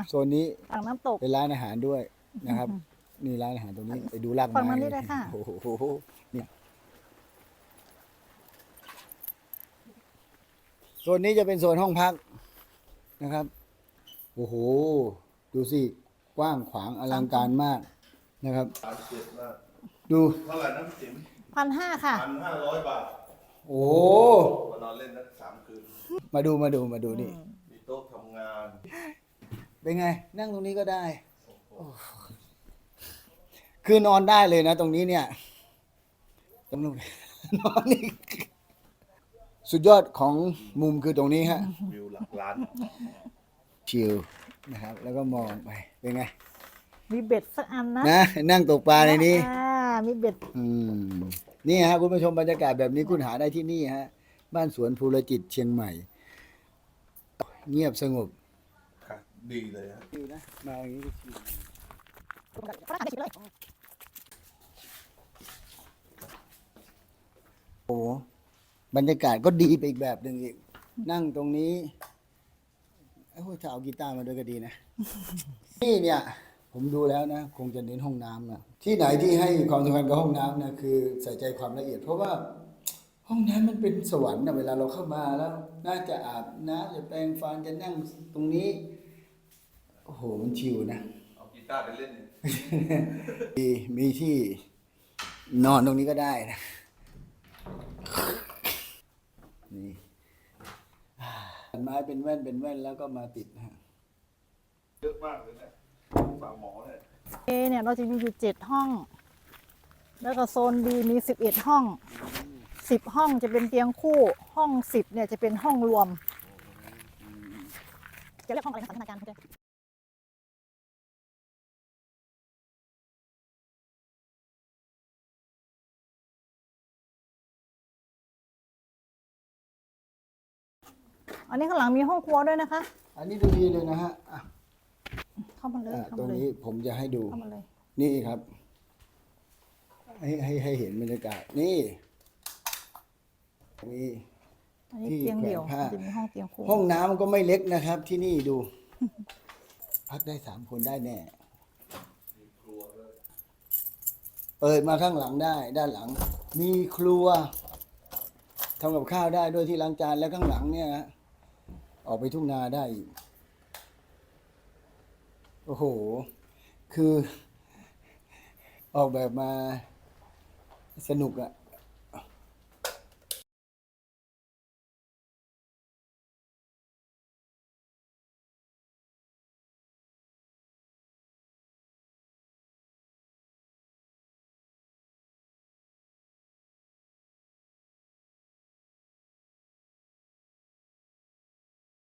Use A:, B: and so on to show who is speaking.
A: โซนนี้
B: ฝั่งน้ำตก
A: เป็นร้านอาหารด้วยนะครับ นี่ร้านอาหารตรงนี้ไปดูราก
B: ฝั่ง
A: ไม้
B: นั้นนี่เลยค่ะ
A: โอ้โหเนี่ยโซนนี้จะเป็นโซนห้องพักนะครับโอ้โหดูสิกว้างขวางอลังการมากนะครับ
C: 37 มาก
A: ดู
C: เท่าไหร่นะพี่ติ๋ม
B: 1,500 ค่ะ
C: 1,500 บาท
A: โอ้
C: มานอนเล่นนัก3 คืน
A: มาดูนี่
C: มีโต๊ะทำงาน
A: เป็นไง นั่งตรงนี้ก็ได้โอ้คือนอนได้เลยนะ ตรงนี้เนี่ยตรงนู้น นอนนี่สุดยอดของมุมคือตรงนี้ฮะ
C: วิวหลักล้าน
A: ชิลนะครับ แล้วก็มองไปเป็นไง
B: มีเบ็ดสักอันนะ
A: นะนั่งตกปลาในนี้
B: มีเบ็ด
A: นี่ฮะคุณผู้ชมบรรยากาศแบบนี้คุณหาได้ที่นี่ฮะ บ้านสวนภูรจิตเชียงใหม่ เงียบสงบ
C: ค่ะ ดีเลยฮะ
A: ชิลนะมาอย่างนี้ก็ชิลโอ้บรรยากาศก็ดีไปอีกแบบหนึ่งอีกนั่งตรงนี้โอ้ยถ้าเอากีตาร์มาด้วยก็ดีนะ นี่เนี่ย ผมดูแล้วนะ คงจะเน้นห้องน้ำนะที่ไหนที่ให้ความสำคัญกับห้องน้ำนะคือใส่ใจความละเอียด เพราะว่าห้องน้ำมันเป็นสวรรค์นะเวลาเราเข้ามาแล้ว น่าจะอาบน้ำจะแปรงฟันจะนั่งตรงนี้ โอ้โหมันชิลนะ
C: เอากีตาร์ไปเล่น
A: มีที่นอนตรงนี้ก็ได้นะนี่ไม้เป็นแว่นแล้วก็มาติดนะฮะ
C: เยอะมากเลยเนี่ยฝากหมอเนี่ย
B: A เนี่ยเราจะมีอยู่7 ห้อง แล้วก็โซน B มี11 ห้อง 10 ห้องจะเป็นเตียงคู่ ห้อง10เนี่ยจะเป็นห้องรวม จะเรียกห้องอะไรนะสันทนาการเขาจะอันนี้ข้างหลังมีห้องครัวด้วยนะคะ
A: อันนี้ดูดีเลยนะฮะอ่ะ
B: เข้ามาเลย เข้า
A: ตร
B: มาง เลย
A: นี้ผมจะให้ดู
B: เข้ามาเลย
A: นี่ครับ ให้เห็นบรรยากาศนี่นี่
B: อันนี้
A: ที่
B: เตียงเดี่ยว
A: แขวนผ้า
B: จะมีห้องเตียงคู่
A: ห้องน้ำก็ไม่เล็กนะครับ ที่นี่ดู พักได้3 คนได้แน่ เปิดมาข้างหลังได้ ด้านหลัง มีครัวทำกับข้าวได้ด้วยที่ล้างจานแล้วข้างหลังเนี่ยนะออกไปทุ่งนาได้อีกโอ้โห คือ ออกแบบมาสนุกอะ